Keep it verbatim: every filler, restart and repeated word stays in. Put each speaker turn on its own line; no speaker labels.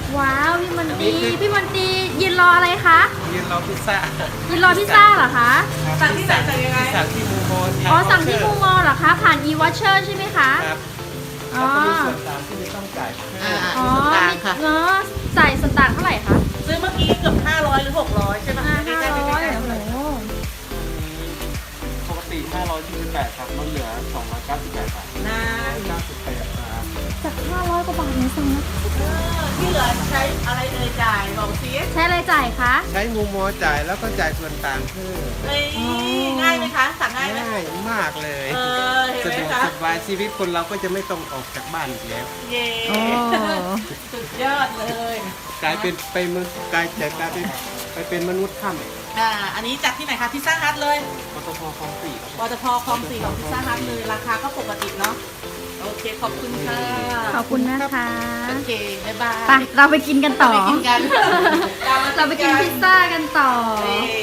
ว้าวพี่มันตีพี่มันตียืนรออะไรคะ
ยืนรอพิซซ่า
ยืนรอพิซซ่าเหรอคะ
สั่งที่ไหนสั่งยังไง
สั่งที่มูโม
อ๋อสั่งที่มูมอลเหรอคะผ่าน e-watcher ใช่ไหมคะ
ครับ
อ๋
แล้ว
อ
ก็มีส่วนต่างที่ไม่ต้องจ่ายเพิ่ม
อ่า
อ๋อ
ส่วนต่างค่ะ
เนาะใส่ส่วนต่างเท่าไหร่คะ
ซื้อเมื่อกี้เกือบห้าร้อยหรือหกร้อยใช่ไหม
ห้า
ใกล้
ห้า
ๆใก
ร้อย
ล้ๆ
โอ้
เลย
โห
ปกติห้าร้อยยี่สิบแปดครับลดเหลือสองร้อยเก้าสิบแปดบาท
นาน
เก้าสิบแปดบาท
จากห้าร้อยกว่าบาทเนี่ยสั่งนะ
เออที่เหลือใช้อะไรเอ่ยจ่ายบอกซิ
ใช้อะไรจ่ายคะ
ใช้มูโมจ่ายแล้วก็จ่ายส่วนต่างเพิ่ม
เอ้ยง่ายไหมคะ สั่งง่ายไหม
ง่ายมากเลย
เออเห็น
สะ
ไหม
ดวก
คะ
สบายชีวิตคนเราก็จะไม่ต้องออกจากบ้านอีกแล้ว
เย้
โอ้
สุดยอดเลย
กลายเป็นไปมนุษย์กลายจากกลายเป็นไปเป็นมนุษย์ถ้ำ
อ่าอันนี้จากที่ไหนคะพิซซ่าฮัทเลย
ปตทคลองสี่ครับ
ปตทคลองสี่ของพิซซ่าฮัทเลยราคาก็ปกติเนาะโอเคขอบคุณค่ะ
ขอบคุณนะคะ
โอเคบ๊ายบาย
ไปเราไปกินกันต่อ
ไปกินกัน
เราไปกินพิซซ่ากันต่อ
เย้